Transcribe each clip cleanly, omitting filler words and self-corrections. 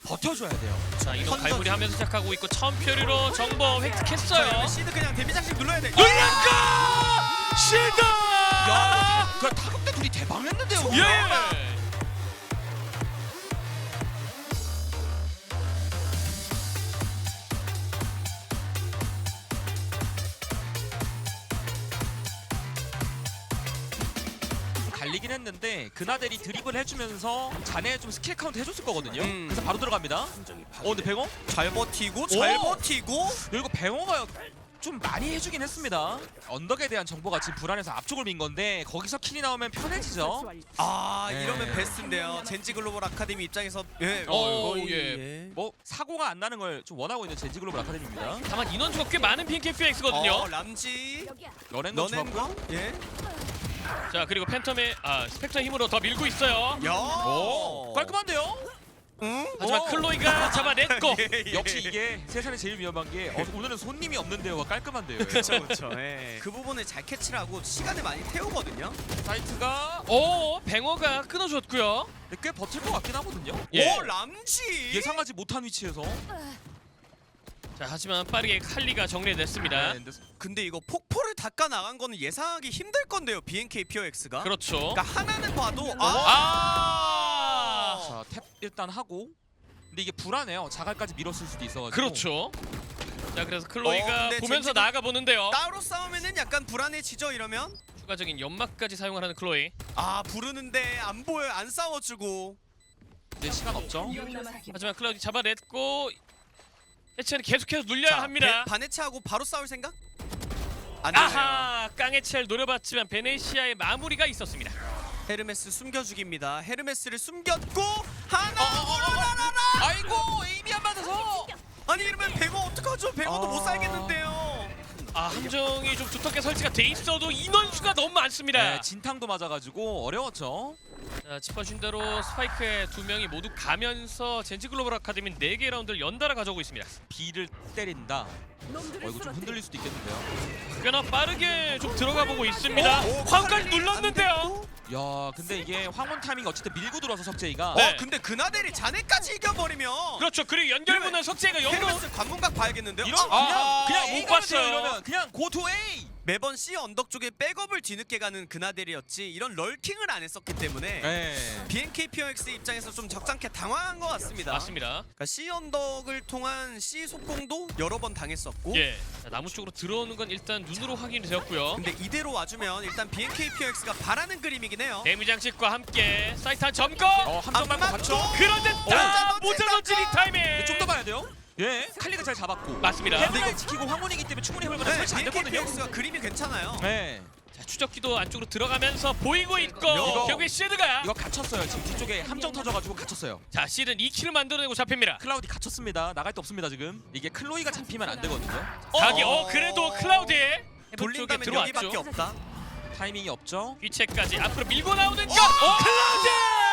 버텨줘야 돼요. 자 이동 턴 갈무리 하면서 시작하고 있고 처음표리로 정보 획득했어요. 시드 그냥 데미 장식 눌러야 돼. 눌렸고 시드. 야, 그 타격대 둘이 대방했는데요. 예. 갈리긴 했는데 그나델이 드리블 해주면서 자네 좀 스킬 카운트 해줬을 거거든요. 그래서 바로 들어갑니다. 근데 뱅어? 잘 버티고 잘 버티고. 그리고 뱅어가 좀 많이 해주긴 했습니다. 언덕에 대한 정보가 지금 불안해서 앞쪽을 민 건데 거기서 킬이 나오면 편해지죠. 아 네. 이러면 베스트인데요. 젠지 글로벌 아카데미 입장에서 예. 오, 예. 예. 뭐 사고가 안 나는 걸 좀 원하고 있는 젠지 글로벌 아카데미입니다. 다만 인원수가 꽤 많은 BNKFX거든요. 람지 런앤도 좋았고. 너넨과 예. 자 그리고 팬텀의 스펙터의 힘으로 더 밀고 있어요. 야. 오, 깔끔한데요? 응? 하지만 오. 클로이가 잡아냈고 예. 역시 이게 세상에 제일 위험한 게 오늘은 손님이 없는데요가 깔끔한데요. 그렇죠 그렇죠. 예. 그 부분을 잘 캐치를 하고 시간을 많이 태우거든요. 사이트가 오 뱅어가 끊어줬고요. 꽤 버틸 것 같긴 하거든요. 예. 오 람지. 예상하지 못한 위치에서. 자 하지만 빠르게 칼리가 정리됐습니다. 네, 근데 근데 이거 폭포를 닦아 나간 거는 예상하기 힘들 건데요. BNK POX가. 그렇죠. 그러니까 하나는 봐도 아 자, 탭 일단 하고. 근데 이게 불안해요. 자갈까지 밀었을 수도 있어가지고. 그렇죠. 자 그래서 클로이가 근데 보면서 젠지가- 나아가 보는데요. 따로 싸우면은 약간 불안해지죠 이러면. 추가적인 연막까지 사용하는 클로이. 아 부르는데 안 보여 안 싸워주고. 이제 시간 없죠. 하지만 클로이 잡아냈고 해체는 계속해서 눌려야 합니다. 바네차하고 바로 싸울 생각? 안 되네요. 아하 깡해체를 노려봤지만 베네시아의 마무리가 있었습니다. 헤르메스 숨겨주기입니다. 헤르메스를 숨겼고 하나 아이고 에임이 안 맞아서. 아니 이러면 뱅어 어떡하죠? 뱅어도 못 살겠는데요. 아 함정이 좀 두텁게 설치가 돼 있어도 인원수가 너무 많습니다. 네, 진탕도 맞아가지고 어려웠죠. 자, 짚어준 대로 스파이크의 두 명이 모두 가면서 젠지 글로벌 아카데미 4개 라운드를 연달아 가져오고 있습니다. B를 때린다. 이거 좀 흔들릴 수도 있겠는데요. 꽤나 빠르게 좀 들어가 보고 있습니다. 황까지 눌렀는데요. 야, 근데 이게 황혼 타이밍 어쨌든 밀고 들어서 석재이가. 네. 근데 그나델이 자네까지 이겨버리면 그렇죠. 그리고 연결문은 석재가 영으로 헤르메스 관문각 봐야겠는데요. 이런 아, 그냥 못 A 가면 돼요, 봤어요. 이러면 그냥 go to A. 매번 C 언덕 쪽에 백업을 뒤늦게 가는 그나델이었지 이런 럴킹을 안 했었기 때문에 네. BNK POX 입장에서 좀 적잖게 당황한 것 같습니다. 맞습니다. 그러니까 C 언덕을 통한 C 속공도 여러 번 당했었고 예. 자, 나무 쪽으로 들어오는 건 일단 눈으로 확인이 되었고요. 근데 이대로 와주면 일단 BNK POX가 바라는 그림이긴 해요. 데미 장식과 함께 사이트 한 점검. 함정 말고 안 받죠. 맞죠? 그런데 오! 모자 던지기 타이밍. 좀 더 봐야 돼요. 예, 칼리가 잘 잡았고. 맞습니다. 헤드를 지키고 황혼이기 때문에 충분히 해볼 만한 네, 설치 안 BNK 됐거든요. POX가 그림이 괜찮아요. 네, 자, 추적기도 안쪽으로 들어가면서 보이고 있고 이거- 결국에 시드가 이거 갇혔어요. 지금 뒤쪽에 함정 터져가지고 갇혔어요. 자 시드는 2킬을 만들어내고 잡힙니다. 클라우디 갇혔습니다. 나갈 데 없습니다 지금. 이게 클로이가 잡히면 안 되거든요. 자기 그래도 클라우디 돌린다면 쪽에 여기밖에 들어왔죠. 없다. 타이밍이 없죠. 귀체까지 앞으로 밀고 나오는 거 클라우디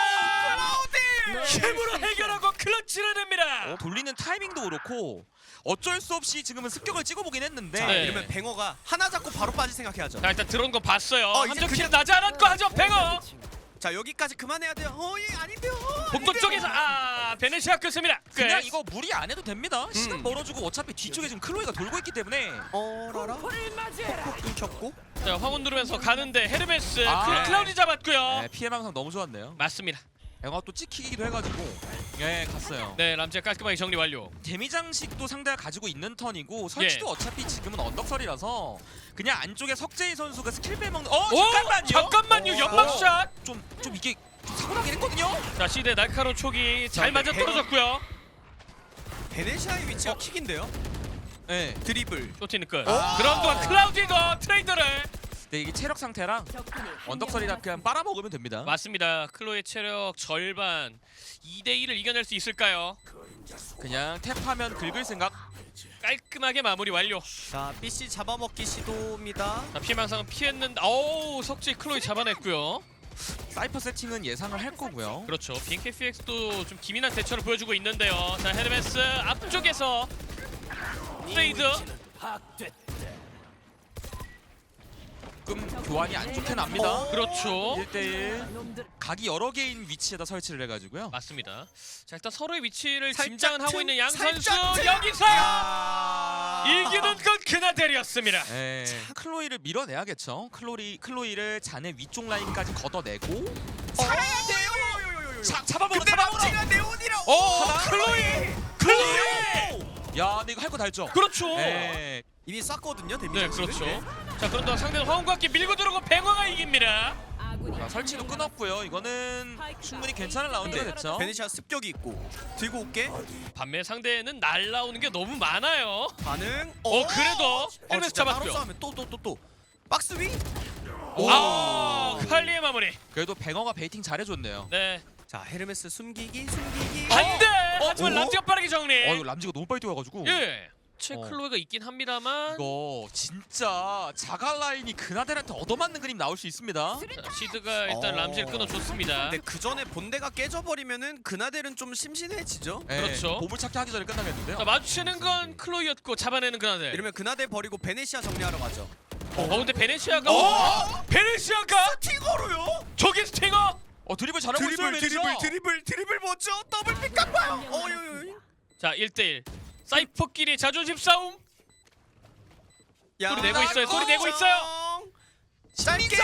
힘으로 해결하고 클러치를 냅니다. 돌리는 타이밍도 그렇고 어쩔 수 없이 지금은 습격을 찍어보긴 했는데 자, 네. 이러면 뱅어가 하나 잡고 바로 빠질 생각해야죠. 자 일단 들어온 거 봤어요. 이제 함정 킬 그냥- 나지 않았고 하죠 뱅어. 자 여기까지 그만해야 돼요. 예 아닌데요. 복도 아닌데요. 쪽에서 베네시아 끝습니다. 그냥 끝. 이거 무리 안 해도 됩니다. 시간 벌어주고 어차피 뒤쪽에 지금 클로이가 돌고 있기 때문에 라라. 콕콕 끊겼고. 자 황혼 누르면서 가는데 헤르메스 아, 클라우디 잡았고요. 네, 피해 방상 너무 좋았네요. 맞습니다. 앵어가 또 찍히기도 해가지고 예 갔어요. 네 람지가 깔끔하게 정리 완료. 데미 장식도 상대가 가지고 있는 턴이고 설치도 어차피 지금은 언덕설이라서 그냥 안쪽에 석재희 선수가 스킬 빼먹는 잠깐만요 연막샷. 좀 이게 좀 사고 나긴 했거든요. 자 시대 날카로운 촉이 잘 맞아 떨어졌고요. 베네시아의 위치가 킥인데요. 네. 드리블. 쇼티는 끝. 그런 동안 클라우디가 트레이더를 근데 이게 체력 상태랑 언덕설이랑 그냥 빨아먹으면 됩니다. 맞습니다. 클로의 체력 절반 2대2를 이겨낼 수 있을까요? 그냥 탭하면 긁을 생각. 깔끔하게 마무리 완료. 자 BC 잡아먹기 시도입니다. 자 피해망상은 피했는데 어우 석지 클로이 잡아냈고요. 사이퍼 세팅은 예상을 할 거고요. 그렇죠. BNKFX도 좀 기민한 대처를 보여주고 있는데요. 자 헤르메스 앞쪽에서 트레이드. 조금 교환이 안 좋게 납니다. 그렇죠. 1대1 각이 여러 개인 위치에다 설치를 해가지고요. 맞습니다. 자 일단 서로의 위치를 살짝 짐작은 하고 틈, 있는 양 선수 살짝 틈. 여기서 야. 이기는 건 그나델이었습니다. 네. 클로이를 밀어내야겠죠. 클로이를 자네 위쪽 라인까지 걷어내고 살아야 돼요. 잡아먹어. 근데 람지가 네온이라. 클로이. 야, 근데 이거 할 거 다 했죠. 그렇죠. 네. 이미 쐈거든요. 데미지. 네 그렇죠. 자 그런 동안 상대는 화음과 함께 밀고 들어오고 뱅어가 이깁니다. 자, 설치도 끊었고요. 이거는 충분히 괜찮은 라운드가 됐죠. 베네시아 습격이 있고 들고 올게. 반면 상대는 날라오는 게 너무 많아요. 반응. 그래도 헬멧 진짜 잡았고요. 바로 싸우면 또 박스 위. 아 칼리의 마무리. 그래도 뱅어가 베이팅 잘해줬네요. 네. 자 헤르메스 숨기기. 반대. 하지만 오? 람지가 빠르게 정리. 이거 람지가 너무 빨리 뛰어가지고. 예. 채 클로이가 있긴 합니다만 이거 진짜 자가 라인이 그나델한테 얻어맞는 그림 나올 수 있습니다. 자, 시드가 일단 람지를 끊어줬습니다. 근데 그 전에 본대가 깨져버리면은 그나델은 좀 심심해지죠. 네, 그렇죠. 보물찾기 하기 전에 끝나겠는데요. 자 마주치는 건 클로이였고 잡아내는 그나델. 이러면 그나델 버리고 베네시아 정리하러 가죠. 근데 베네시아가 베네시아가 스팅어로요? 저기 스팅어. 드리블 잘하고 있어요. 메리샤. 드리블 뭐죠? 더블 픽 깎아요. 자 1대1 사이퍼끼리 자존심 싸움. 소리 내고 있어요. 소리 내고 있어요. 짧게.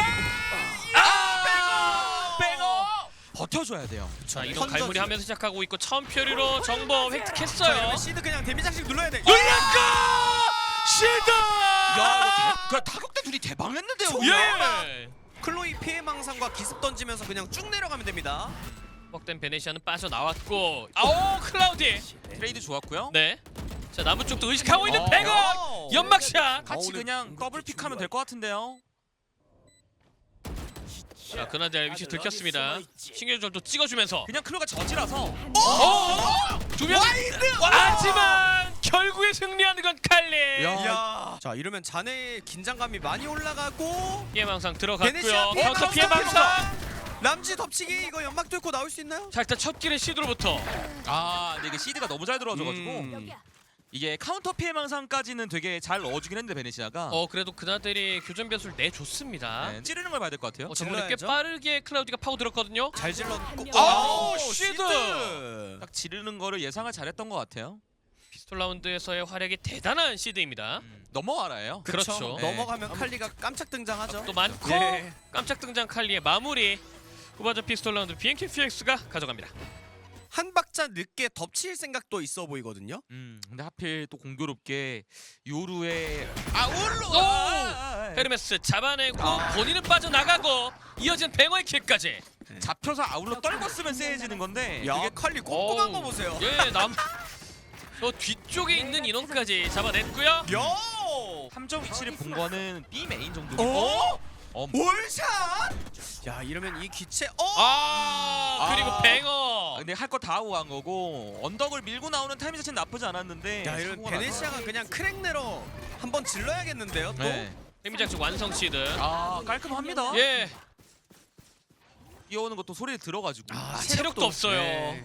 뱅어. 버텨줘야 돼요. 자 이동 갈무리 하면서 시작하고 있고 처음 표류로 정보 획득했어요. 시드 그냥 데미 장식 눌러야 돼. 눌렸고 시드. 야, 이거 타격대 둘이 대박냈는데요. 예. 클로이 피해 망상과 기습 던지면서 그냥 쭉 내려가면 됩니다. 뻑된 베네시아는 빠져나왔고 클라우디. 트레이드 좋았고요. 네. 자 남은 쪽도 의식하고 있는 어. 뱅어. 연막샷. 같이 오늘 그냥 더블 픽하면 될 것 같은데요. 자 그나델 위치 들켰습니다. 신경절도 찍어주면서 그냥 클로가 저지라서 두 명. 하지만 결국에 승리하는 건 칼리. 야. 자 이러면 자네의 긴장감이 많이 올라가고 피해 망상 베네시아 들어갔고요. 카운터 피해 망상. 람지 덮치기 이거 연막 뚫고 나올 수 있나요? 자 일단 첫 길의 시드로부터. 근데 이게 시드가 너무 잘 들어와줘가지고 이게 카운터 피해 망상까지는 되게 잘 넣어주긴 했는데 베네시아가 그래도 그나델이 교전 변수를 내줬습니다. 네, 찌르는 걸 봐야 될 것 같아요. 정말 꽤 질러야죠. 빠르게 클라우디가 파고들었거든요. 잘 질렀고. 시드. 딱 지르는 거를 예상을 잘했던 것 같아요. 피스톨 라운드에서의 활약이 대단한 시드입니다. 넘어와라예요. 그렇죠. 네. 넘어가면 칼리가 깜짝 등장하죠. 또 많고 예. 깜짝 등장 칼리의 마무리. 후반전 피스톨 라운드 BNK FX가 가져갑니다. 한 박자 늦게 덮칠 생각도 있어 보이거든요. 근데 하필 또 공교롭게 요루의 헤르메스 잡아내고 본인은 빠져나가고 이어진 뱅어의 킥까지. 잡혀서 아울러 떨궜으면 세해지는 건데 야 이게 칼리 꼼꼼한 거 보세요. 저 뒤쪽에 있는 인원까지 잡아냈고요. 야. 함정 위치를 본 거는 B 메인 정도. 월샷! 야 이러면 이 기체 그리고 뱅어. 근데 할 거 다 하고 간 거고 언덕을 밀고 나오는 타이밍 자체는 나쁘지 않았는데 야 이러면 사고가 베네시아가 그냥 크랙내러 한번 질러야겠는데요 또? 네. 데미장식 완성 시드. 깔끔합니다. 예. 뛰어오는 것도 소리를 들어가지고 체력도 없어요. 네.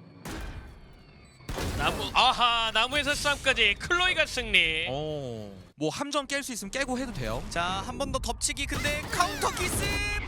나무에서 싸움까지 클로이가 승리. 뭐 함정 깰 수 있으면 깨고 해도 돼요. 자 한 번 더 덮치기 근데 카운터 기습!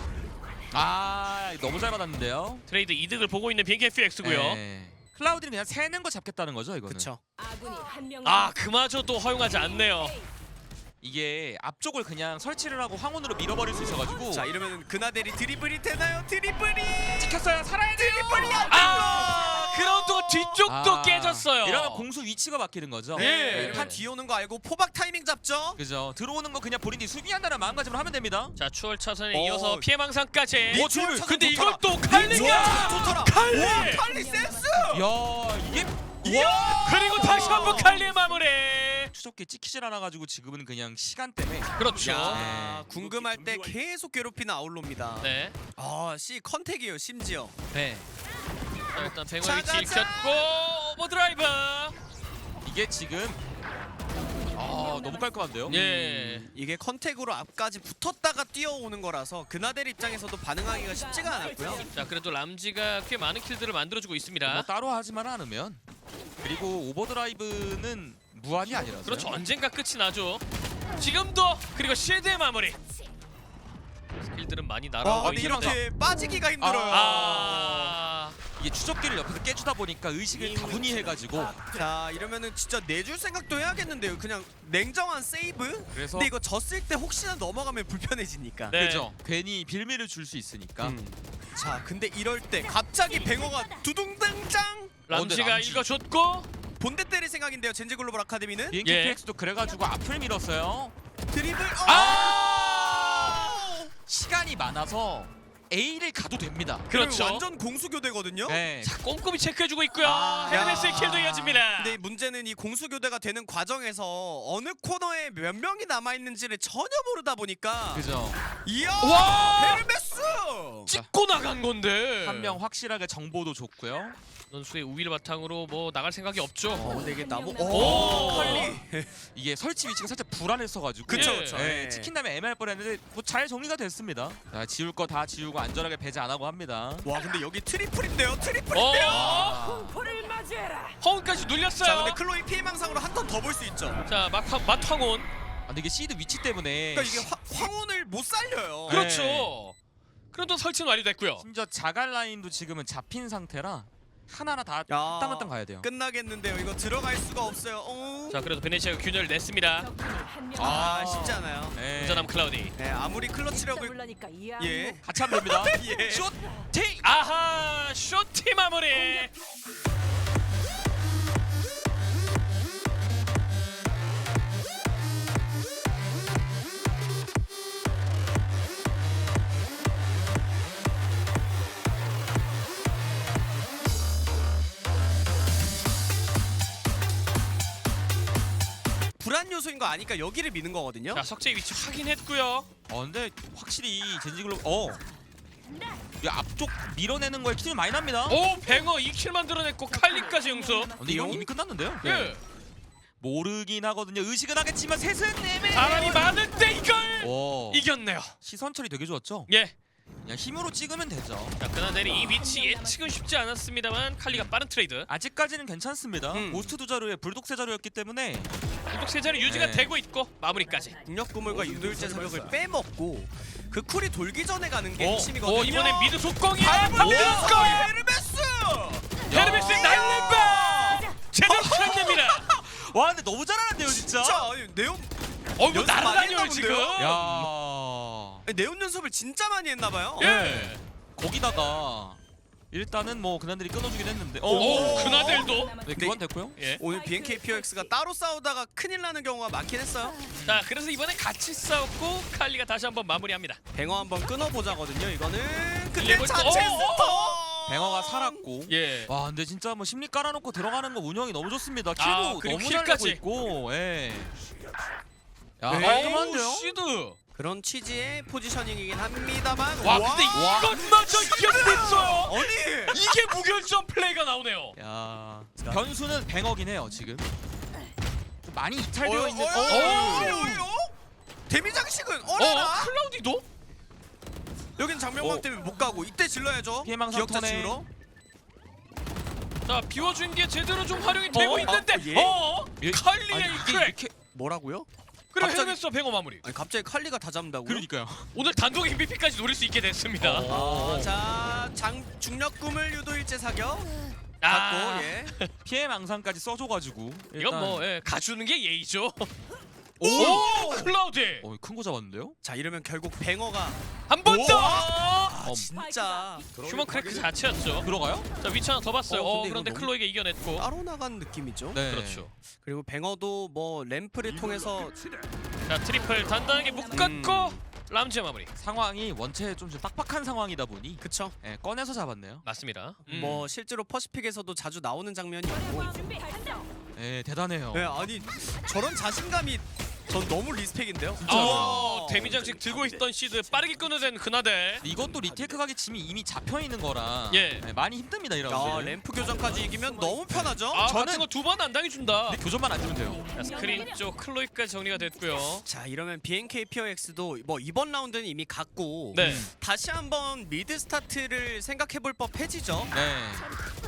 너무 잘 받았는데요. 트레이드 이득을 보고 있는 BNK FX고요. 네. 클라우디는 그냥 새는 거 잡겠다는 거죠 이거는. 그쵸. 그마저도 허용하지 않네요. 이게 앞쪽을 그냥 설치를 하고 황혼으로 밀어버릴 수 있어가지고. 자 이러면 그나델이 드리블이 되나요? 드리블이! 찍혔어요. 살아야 돼요. 드리블이 안 그라운드가 뒤쪽도 깨졌어요. 이러면 공수 위치가 바뀌는 거죠. 예. 판 뒤오는 거 알고 포박 타이밍 잡죠? 그죠. 들어오는 거 그냥 본인이 수비한다는 마음가짐으로 하면 됩니다. 자 추월 차선에 이어서 피해 망상까지. 추월 차선 근데 좋더라. 이것도 칼리가 좋더라. 칼리! 와, 칼리 센스! 야 이게 그리고 다시 한번 칼리의 마무리. 추적기 찍히질 않아가지고 지금은 그냥 시간 때문에. 그렇죠. 야, 궁금할 때 계속 괴롭히는 아울로입니다. 네. C 컨택이에요 심지어. 네. 자, 일단 뱅어 자, 위치 자, 자. 읽혔고 오버드라이브. 이게 지금 너무 깔끔한데요. 예. 이게 컨택으로 앞까지 붙었다가 뛰어오는 거라서 그나델 입장에서도 반응하기가 쉽지가 않았고요. 자 그래도 람지가 꽤 많은 킬들을 만들어주고 있습니다. 뭐 따로 하지만 않으면. 그리고 오버드라이브는 무한이 아니라서. 그렇죠. 언젠가 끝이 나죠. 지금도 그리고 쉴드의 마무리. 킬들은 많이 와 날아오고 근데 있는데. 이렇게 빠지기가 힘들어요. 이게 추적기를 옆에서 깨주다 보니까 의식을 다분히해가지고 자 이러면은 진짜 내줄 생각도 해야겠는데요. 그냥 냉정한 세이브. 그래서 근데 이거 졌을 때 혹시나 넘어가면 불편해지니까. 네. 그죠. 괜히 빌미를 줄 수 있으니까. 자 근데 이럴 때 갑자기 뱅어가 두둥당장 람지가 람지. 읽어줬고 본대 때릴 생각인데요. 젠지 글로벌 아카데미는 비행기 예. PX도 그래가지고 앞을 밀었어요. 드리블. 시간이 많아서 A를 가도 됩니다. 그렇죠. 완전 공수교대거든요. 네. 자 꼼꼼히 체크해주고 있고요. 아, 헤르메스의 야. 킬도 이어집니다. 근데 문제는 이 공수교대가 되는 과정에서 어느 코너에 몇 명이 남아있는지를 전혀 모르다 보니까 그죠. 이야 와! 헤르메스 찍고 나간 건데. 한 명 확실하게 정보도 줬고요. 선수의 우위를 바탕으로 뭐 나갈 생각이 없죠. 근데 이게 나무 오! 칼리 이게 설치 위치가 살짝 불안했어가지고 그쵸 예. 그쵸 네, 치킨 다음에 애매할 뻔했는데 뭐 잘 정리가 됐습니다. 자, 지울 거 다 지우고 안전하게 배제 안 하고 합니다. 와 근데 여기 트리플인데요 트리플인데요 어? 허운까지 자 눌렸어요. 근데 클로이 피해망상으로 한 턴 더 볼 수 있죠. 자 마탕온. 아, 근데 이게 시드 위치 때문에 그러니까 이게 황혼을 못 살려요. 네. 그렇죠. 그래도 설치는 완료됐고요. 심지어 자갈 라인도 지금은 잡힌 상태라 하나하나 다 야, 한땀한땀 가야 돼요. 끝나겠는데요. 이거 들어갈 수가 없어요. 자 그래도 베네치아가 균열을 냈습니다. 쉽지 않아요. 네. 운전함 클라우디. 네 아무리 클러치력을 예. 같이 하면 됩니다. 예. 슛! 테이! 아하 쇼티 마무리. 불안 요소인 거 아니까 여기를 미는 거거든요. 자 석재의 위치 확인했고요. 근데 확실히 젠지글로 이 앞쪽 밀어내는 거에 키를 많이 납니다. 오 뱅어 2킬 만들어냈고 칼리까지 응수. 근데 이건 이미 끝났는데요? 예. 모르긴 하거든요. 의식은 하겠지만 셋은 내매. 바람이 많은데 이걸 오. 이겼네요. 시선 처리 되게 좋았죠? 예. 그냥 힘으로 찍으면 되죠. 자 그나델이 이 위치 예측은 쉽지 않았습니다만 칼리가 빠른 트레이드. 아직까지는 괜찮습니다. 고스트 두 자루에 불독 세 자루였기 때문에 공격 세자리 유지가 네. 되고 있고 마무리까지. 중력 구물과 유도일제 사격을 빼먹고 그 쿨이 돌기 전에 가는 게 핵심이거든요. 오 이번엔 미드 속공이야. 미드 속공. 헤르메스! 헤르메스의 날림바 제대로 시작됩니다. 와 근데 너무 잘하는데요 진짜. 진짜 아니, 네온 뭐 연습 많이 날아다녀요 했나 지금. 본데요? 야. 아니, 네온 연습을 진짜 많이 했나봐요. 예. 거기다가 일단은 뭐 그나들이 끊어주긴 했는데. 오 그나델도. 네, 교환됐고요. 예. 오늘 BNK POX가 따로 싸우다가 큰일 나는 경우가 많긴 했어요. 자 그래서 이번에 같이 싸웠고 칼리가 다시 한번 마무리합니다. 뱅어 한번 끊어보자거든요. 이거는 근데 레벨 자체 또- 스톱! 뱅어가 살았고. 예. 와 근데 진짜 뭐 심리 깔아놓고 들어가는 거 운영이 너무 좋습니다. 킬도 아, 그리고 너무 잘 킬까지. 내고 있고. 예. 야 네. 깔끔한데요? 시드. 그런 취지의 포지셔닝이긴 합니다만 와 근데 이것마저 이겼어요. 아니 이게 무결점 플레이가 나오네요. 야 변수는 뱅어긴 해요 지금. 좀 많이 이탈되어 있는. 데미 장식은 어라라 클라우디도? 여긴 장명광 때문에 못 가고 이때 질러야죠. 피해망상 기억자 턴에. 치우러. 자 비워준 게 제대로 좀 활용이 되고 어? 있는데 예? 칼리의 아니, 이게 크랙. 이렇게 뭐라고요? 그래 갑자기- 헤르메스 뱅어 마무리. 아니 갑자기 칼리가 다 잡는다고요? 그러니까요. 오늘 단독 MVP까지 노릴 수 있게 됐습니다. 자 중력 꿈을 유도일제 사격 아, 받고 예. 피해 망상까지 써줘가지고. 이건 뭐 예, 가주는 게 예의죠. 오! 클라우디 큰거 잡았는데요? 자 이러면 결국 뱅어가 한 번 더. 진짜 휴먼 크래크 자체였죠. 들어가요? 자 위치 하나 더 봤어요. 근데 그런데 이거 너무- 클로이가 이겨냈고. 따로 나간 느낌이죠. 네. 그렇죠. 그리고 뱅어도 뭐 램프를 통해서 자 트리플 단단하게 묶었고 람지의 마무리. 상황이 원체 좀 빡빡한 상황이다 보니 그쵸. 예, 꺼내서 잡았네요. 맞습니다. 뭐 실제로 퍼시픽에서도 자주 나오는 장면이 있고. 예, 대단해요. 네 아니 저런 자신감이 전 너무 리스펙인데요. 데미장식 들고 있던 시드 빠르게 끊어낸 그나델. 이것도 리테이크 가기 짐이 이미 잡혀 있는 거라 예. 많이 힘듭니다 야 이라운드. 램프 교전까지 이기면 너무 편하죠. 아 저는- 같은 거 두 번 안 당해준다. 근데 교전만 안 주면 돼요. 자, 스크린 쪽 클로이까지 정리가 됐고요. 자 이러면 BNK POX도 뭐 이번 라운드는 이미 갔고 네. 다시 한번 미드 스타트를 생각해볼 법해지죠. 네.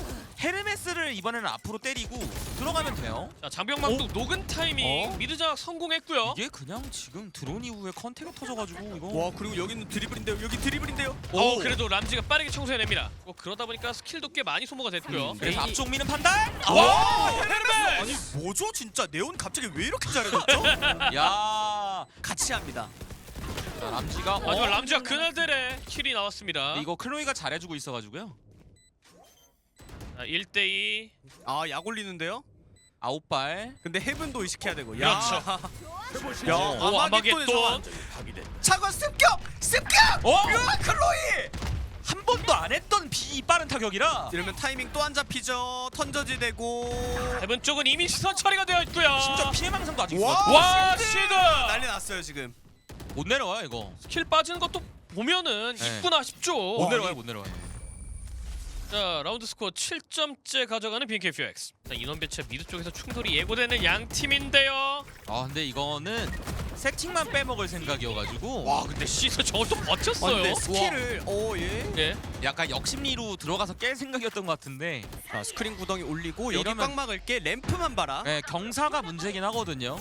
헤르메스를 이번에는 앞으로 때리고 들어가면 돼요. 자, 장병망도 녹은 타이밍 미드 장악 성공했고요. 이게 그냥 지금 드론 이후에 컨택이 터져가지고 이거 와 그리고 여기는 드리블인데요. 여기 드리블인데요. 그래도 람지가 빠르게 청소해냅니다. 그러다 보니까 스킬도 꽤 많이 소모가 됐고요. 그래서 앞쪽 미는 판단. 와 헤르메스! 아니 뭐죠 진짜 네온 갑자기 왜 이렇게 잘해졌죠? 야, 같이 합니다. 자, 람지가 마지막 람지와 그나델의 킬이 나왔습니다. 이거 클로이가 잘해주고 있어가지고요. 자, 1대2. 아 약 올리는데요? 9발. 근데 헤븐도 의식해야 되고. 그렇죠. 야 오, 아마겟돈의 아마겟돈. 차관 습격! 습격! 어? 으아 클로이! 한 번도 안 했던 비 빠른 타격이라 이러면 타이밍 또 안 잡히죠. 턴저지 되고. 해븐 쪽은 이미 시선 처리가 되어 있고요. 심지어 피해망상도 아직 와! 있어. 와, 시드! 난리 났어요 지금. 못 내려와요 이거. 스킬 빠지는 것도 보면은 네. 있구나 싶죠. 못 내려와요 못 내려와요. 자, 라운드 스코어 7점째 가져가는 BNKFX. 자, 인원 배치 미드 쪽에서 충돌이 예고되는 양 팀인데요. 아 근데 이거는 세팅만 빼먹을 생각이어가지고 와, 근데 시서 저걸 또 버텼어요. 근데 스킬을 예. 예. 약간 역심리로 들어가서 깰 생각이었던 것 같은데 자 스크린 구덩이 올리고 여기 이러면- 꽉 막을게. 램프만 봐라. 네, 경사가 문제긴 하거든요.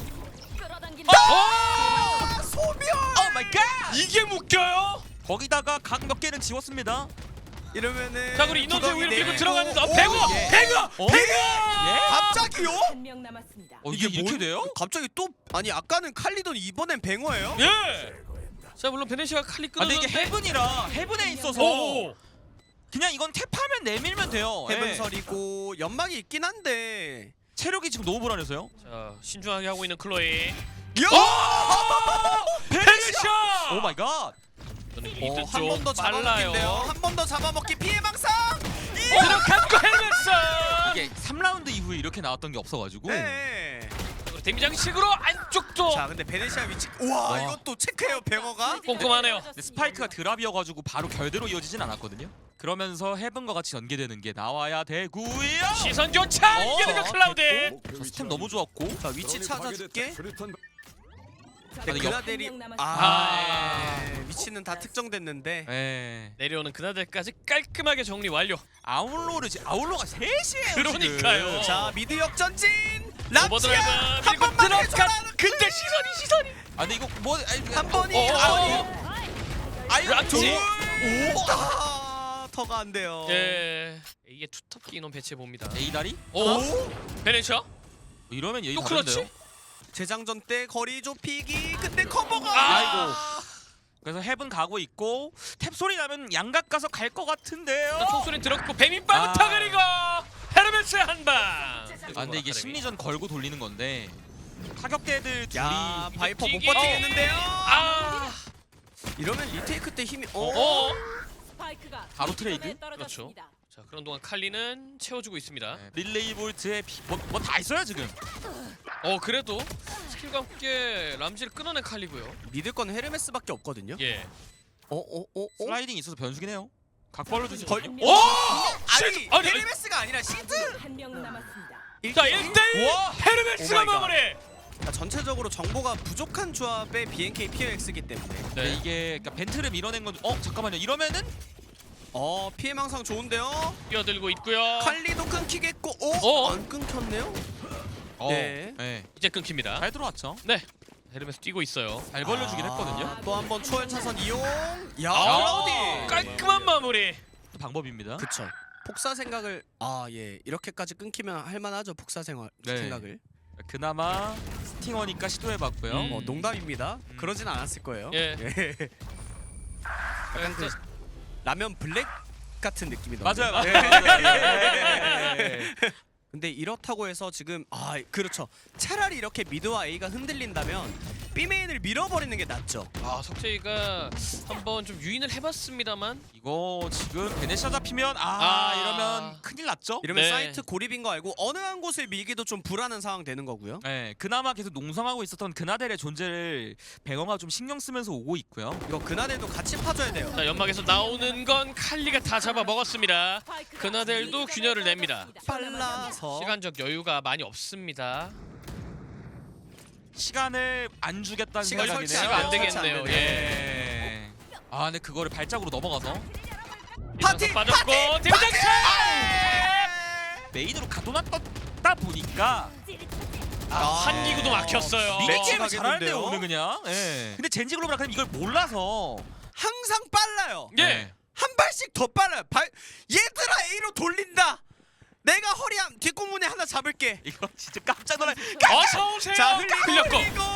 아, 소멸! 오 마이 갓! 이게 묶여요? 거기다가 각 몇 개는 지웠습니다. 이러면은 자, 그리고 인원수 구덩이 위로 밀고 네. 들어가는데 오, 배구! 예. 배구! 어? 배구! 갑자기요? 한 명 남았습니다. 이게 이렇게 뭘- 돼요? 갑자기 또 아니 아까는 칼리돈 이번엔 뱅어예요? 예. 자, 물론 베네시아가 칼리 아, 근데 끊었는데 이게 헤븐이라 헤븐에 있어서 오! 그냥 이건 탭하면 내밀면 돼요. 예. 헤븐설이고 연막이 있긴 한데. 체력이 지금 너무 불안해서요. 자, 신중하게 하고 있는 클로이. 야! 베네시아! 오 마이 갓. 미드 한 번 더 쪽 빨라요. 잡아먹기인데요. 한 번 더 잡아먹기 피해망상. 들어갔고 헤르메스! 이게 3라운드 이후에 이렇게 나왔던 게 없어가지고 네. 데미장식으로 안쪽도 자 근데 베네시아 위치. 우와 와. 이것도 체크해요 뱅어가. 꼼꼼하네요. 근데 스파이크가 드랍이어가지고 바로 결대로 이어지진 않았거든요. 그러면서 헤븐과 같이 연계되는 게 나와야 되고요. 시선 교차! 어, 이게 그 클라우드! 저 스템 너무 좋았고. 자 위치 찾아줄게. 아니, 근데 그나델이 아. 위치는 다 특정됐는데. 예. 내려오는 그나델까지 깔끔하게 정리 완료. 아울로가 셋이에요. 그러니까요. 지금. 자 미드 역전진. 오버드라이브 람지야 한 밀고 번만 들어간 해줘라. 근데 시선이 아 근데 이거 뭐 한 번이 아유 람지. 터가 안 돼요. 예. 이게 투톱기 인원 배치해 봅니다. A 다리? 오? 베네시아? 이러면 얘기 또 다른데요. 클러치? 재장전 때 거리 좁히기 근데 커버가 아이고. 그래서 헤븐 가고 있고 탭 소리 나면 양각 가서 갈 것 같은데요. 자, 총소리 들었고 뱀이빨부터 아. 그리고 헤르메스의 한방. 아 근데 이게 심리전 걸고 돌리는 건데 타격대들 둘이 야 바이퍼 못 뛰기. 버티겠는데요. 아. 이러면 리테이크 때 힘이 어. 스파이크가 바로 트레이드? 중점에 떨어졌습니다. 자, 그런 동안 칼리는 채워주고 있습니다. 네, 릴레이 볼트에 뭐 다 있어요 지금. 그래도 스킬과 함께 람지를 끊어낸 칼리고요. 믿을 건 헤르메스밖에 없거든요. 예. 슬라이딩 있어서 변수긴 해요. 각 벌려주지. 걸- 한 오! 명 아니 아니, 헤르메스가 아니라 시드. 한명 남았습니다. 자, 1대1 와! 헤르메스가 오 마이 갓. 마무리. 전체적으로 정보가 부족한 조합의 BNK POX이기 때문에 근데 이게 그러니까 벤트를 밀어낸 건 잠깐만요. 이러면은 피해망상 좋은데요. 뛰어들고 있고요. 칼리도 끊기겠고 안 끊겼네요. 네. 네. 이제 끊깁니다. 잘 들어왔죠. 네. 헤르메스 뛰고 있어요. 잘 벌려주긴 했거든요. 또 한 번 초월 차선 이용. 야 아, 클라우디. 깔끔한 마무리. 또 방법입니다. 그쵸. 폭사 생각을 이렇게까지 끊기면 할만하죠. 폭사 네. 생각을. 그나마 스팅어니까 시도해봤고요. 농담입니다. 그러진 않았을 거예요. 예. 약간 그 라면 블랙 같은 느낌이 맞아요, 나는데. 맞아요. 근데 이렇다고 해서 지금 그렇죠. 차라리 이렇게 미드와 A가 흔들린다면 B메인을 밀어버리는 게 낫죠. 석재이가 한번 좀 유인을 해봤습니다만 이거 지금 베네시아 잡히면 이러면 큰일 났죠. 이러면 네. 사이트 고립인 거 알고 어느 한 곳을 밀기도 좀 불안한 상황 되는 거고요. 네, 그나마 계속 농성하고 있었던 그나델의 존재를 뱅어가 좀 신경 쓰면서 오고 있고요. 이거 그나델도 같이 파줘야 돼요. 자, 연막에서 나오는 건 칼리가 다 잡아 먹었습니다. 스파이크가 그나델도 중점에 균열을 냅니다. 빨라서 시간적 여유가 많이 없습니다. 시간을 안 주겠다는 시간 생각이네요. 설치가 안 설치 되겠네요. 안 예. 네. 근데 그거를 발작으로 넘어가서 파티! 빠졌고 파티! 데미장스! 메인으로 가둬놨다 보니까 한 기구도 막혔어요. 미니 게임을 가겠는데요? 잘하는데요 오늘 그냥. 예. 근데 젠지 글로벌 아카데미 이걸 몰라서 항상 빨라요. 예. 한 발씩 더 빨라요. 얘들아 A로 돌린다. 내가 허리함 뒷공문에 하나 잡을게. 이거 진짜 깜짝 놀라. 어서 오세요. 자 흘리고.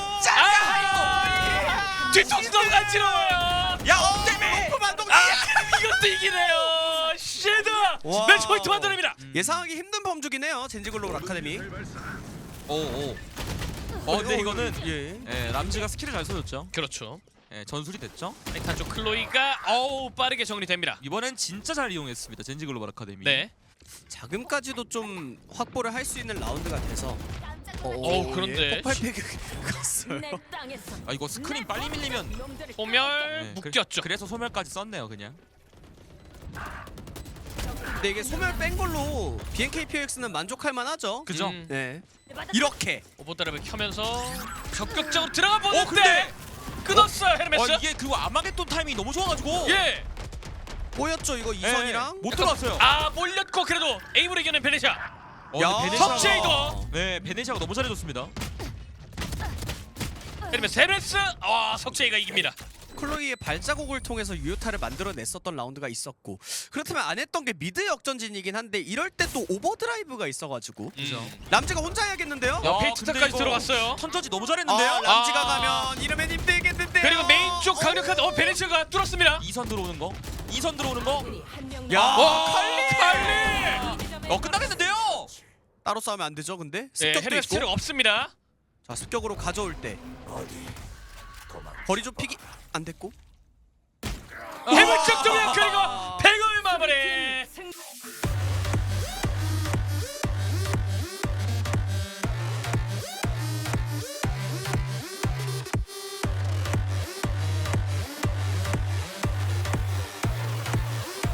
아! 뒤통수가 간지러워요. 야 엉대매. 높은 반동. 이것도 이기네요. 쉴드. 와우. 매치 포인트 만들어냅니다. 예상하기 힘든 범주긴 해요. 젠지 글로벌 아카데미. 오오. 근데 이거는 예. 예, 람지가 스킬을 잘 써줬죠. 그렇죠. 예, 전술이 됐죠. 타이탄 쪽 클로이가 빠르게 정리됩니다. 이번엔 진짜 잘 이용했습니다. 젠지 글로벌 아카데미. 네. 자금까지도 좀 확보를 할 수 있는 라운드가 돼서. 그런데 폭발팩이 갔어요. 내 땅에서 아 이거 스크린 빨리 밀리면 놈들을 소멸 예, 묶였죠. 그래서 소멸까지 썼네요 그냥. 근데 이게 소멸 뺀 걸로 BNKPX는 만족할 만하죠. 그죠? 네. 이렇게 오버드랍을 켜면서 적극적으로 들어가 보는데 근데 끊었어요 헤르메스. 이게 그 아마겟돈 타이밍이 너무 좋아가지고. 예. 보였죠 이거 예, 이선이랑. 못 들어왔어요. 몰렸고 그래도 에임으로 이겨낸 베네샤. 야, 근데 석재이도. 네 베네시아가 너무 잘해줬습니다. 헤르메스. 석재이가 이깁니다. 클로이의 발자국을 통해서 유효타를 만들어냈었던 라운드가 있었고, 그렇다면 안 했던 게 미드 역전진이긴 한데 이럴 때 또 오버드라이브가 있어가지고 그죠. 람지가 혼자 해야겠는데요? 야, 페이트까지 근데 이거 들어갔어요. 턴저지 너무 잘했는데요. 람지가 아. 가면 이러면 힘들겠는데요? 그리고 메인 쪽 강력한 베네샤가 뚫었습니다. 2선 들어오는 거. 2선 들어오는 거. 한명 야, 칼리. 끝나겠는데요. 따로 싸우면 안 되죠 근데? 네, 습격도 헤르메스 체력 있고. 없습니다. 자 습격으로 가져올 때 거리 좁히기 안 됐고. 해물 쪽쪽에 그리고 100을 마무리.